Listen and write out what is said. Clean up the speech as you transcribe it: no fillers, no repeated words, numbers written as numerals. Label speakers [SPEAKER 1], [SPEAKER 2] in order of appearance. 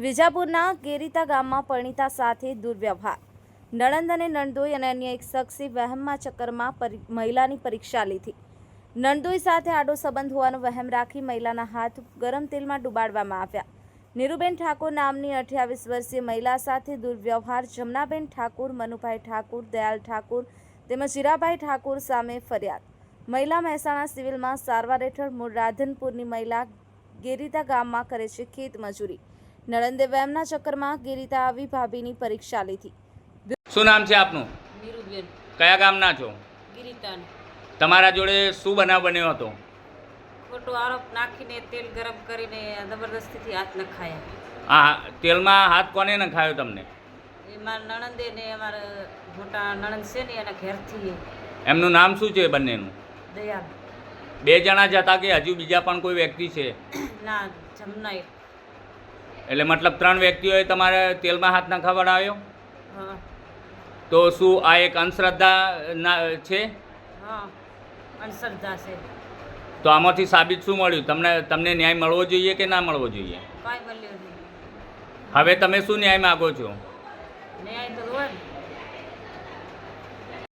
[SPEAKER 1] વિજાપુરના ગેરીતા ગામમાં પરિણીતા સાથે દુર્વ્યવહાર. નણંદ અને નણદોઈ અને અન્ય એક શખ્સે વહેમમાં ચક્કરમાં મહિલાની પરીક્ષા લીધી. નણદોઈ સાથે આડો સંબંધ હોવાનો વહેમ રાખી મહિલાના હાથ ગરમ તેલમાં ડુબાડવામાં આવ્યા. નીરુબેન ઠાકોર નામની 28 વર્ષીય મહિલા સાથે દુર્વ્યવહાર. જમનાબેન ઠાકોર, મનુભાઈ ઠાકોર, દયાલ ઠાકોર તેમજ હીરાભાઈ ઠાકોર સામે ફરિયાદ. મહિલા મહેસાણા સિવિલમાં સારવાર હેઠળ. મૂળ રાધનપુરની મહિલા ગેરીતા ગામમાં કરે છે ખેત મજૂરી. નણંદે વહેમના ચક્કરમાં ગેરીતા આવી ભાભીની પરીક્ષા લીધી.
[SPEAKER 2] શું નામ છે આપનું?
[SPEAKER 3] નીરુબેન.
[SPEAKER 2] કયા ગામના છો?
[SPEAKER 3] ગિરિતાન.
[SPEAKER 2] તમારા જોડે શું બનાવ બન્યો હતો?
[SPEAKER 3] ખોટો આરોપ નાખીને તેલ ગરમ કરીને જબરદસ્તીથી હાથ નખાયા.
[SPEAKER 2] હા, તેલમાં હાથ કોને નખાયો તમને?
[SPEAKER 3] એ મારા નણંદે ને અમારા મોટા નણંદ છે ને એના ઘેરથી.
[SPEAKER 2] એમનું નામ શું છે બંનેનું?
[SPEAKER 3] દયાલ.
[SPEAKER 2] બે જણા જ હતા કે હજુ બીજા પણ કોઈ વ્યક્તિ છે?
[SPEAKER 3] ના, જમનાઈ.
[SPEAKER 2] એટલે મતલબ 3 વ્યક્તિઓએ તમારે તેલમાં હાથ નખાવડાવ્યો?
[SPEAKER 3] હા.
[SPEAKER 2] તો શું આ એક અંધશ્રદ્ધા છે?
[SPEAKER 3] હા, અંધશ્રદ્ધા છે.
[SPEAKER 2] તો આમાંથી સાબિત શું મળ્યું? તમને ન્યાય મળવો જોઈએ કે ના મળવો જોઈએ?
[SPEAKER 3] કાંઈ મળ્યું નહીં.
[SPEAKER 2] હવે તમે શું ન્યાય માગો છો?
[SPEAKER 3] ન્યાય તો હોય ને.